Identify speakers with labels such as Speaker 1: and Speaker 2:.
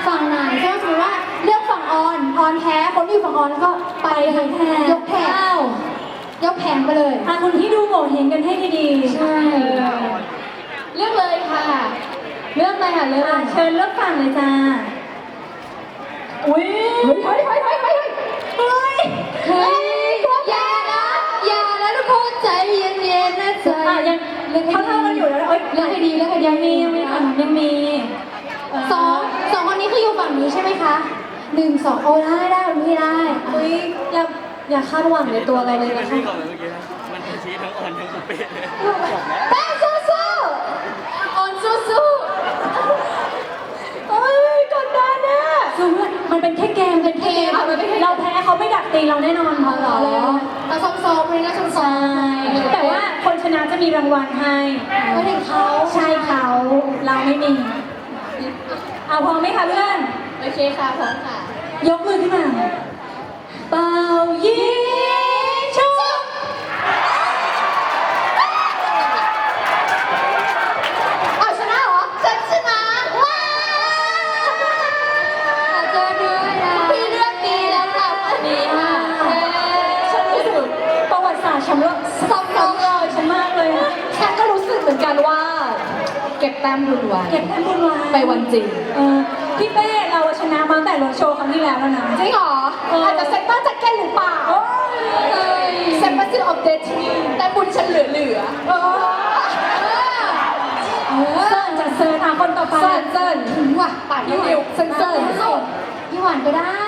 Speaker 1: ฝั่งไหนถ้าสมมติว่าเลือกฝั่งออนแพ้คนที่อยู่ฝั่งออนแล้วก็ไปยกแผงยกแผงไปเลย
Speaker 2: คุณที่ดูโง่เห็นกันให้ดีๆ
Speaker 1: ใช่เลือกเลยค่ะเลือกเลยค่ะเลือก
Speaker 2: เชิญเลือกฝั่งเลยจ้าอุ้ย
Speaker 1: เฮ้ยอย่านะทุกคนใจเย็นๆนะใจ
Speaker 2: ยังเท่ากันอยู่แล้ว
Speaker 1: เลือกให้ดี
Speaker 2: ยังมี
Speaker 1: สองคนนี้คืออยู่ฝั่งนี้ใช่ไหมคะ1 2โอ้ได้ไม่ได้
Speaker 2: อุ้ยอย่าคาดหวังในตัวเราเลยนะคะ
Speaker 3: มันชี้ทั้งอ่อนทั้งปุเป้เลย
Speaker 1: แป้งสู้ๆอ่อนสู้
Speaker 2: เอ้ยกดดันนะมันเป็นแค่เกมเราแพ้เขาไม่ดักตีเราแน่นอน
Speaker 1: เหรอเราซ้อมเลยนะซ้อม
Speaker 2: แต่ว่าคนชนะจะมีรางวัลให้
Speaker 1: ไม่ถึงเขา
Speaker 2: ใช่เขาเราไม่มีเอาพร้อมไหมคะเพื่อน
Speaker 1: โอเคค่ะพร้อมค่ะ
Speaker 2: ยกมือขึ้นมาเป่ายิงชุบ
Speaker 1: เอาชนะเหรอฉันชนะว้าวเจอด้วยนะพี่เลือกดีแล้วค่ะวันนี้ค่ะ
Speaker 2: ฉันรู้สึกประวัติศาสตร์ฉันว่าซับซ้อนเลยฉันมากเลย
Speaker 1: ฉันก็รู้สึกเหมือนกันว่าเก็บแต้มบุญไว้ไปวันจริง
Speaker 2: พี่เป้เราชนะมาตั้งแต่รถโชว์ครั้งที่แล้วแล้วนะ
Speaker 1: จริงเหรออาจจะเซ็นเตอร์แจ็คเก็ตหรือเปล่าเซ็นเตอร์ซิลออฟเดทแต่บุญฉันเหลือ
Speaker 2: เซิร์นจะเซิร์นคนต่อไป
Speaker 1: เซิร์นถึงว่ะป่านพี่วิวเซิร์นพี่หวานก็ได้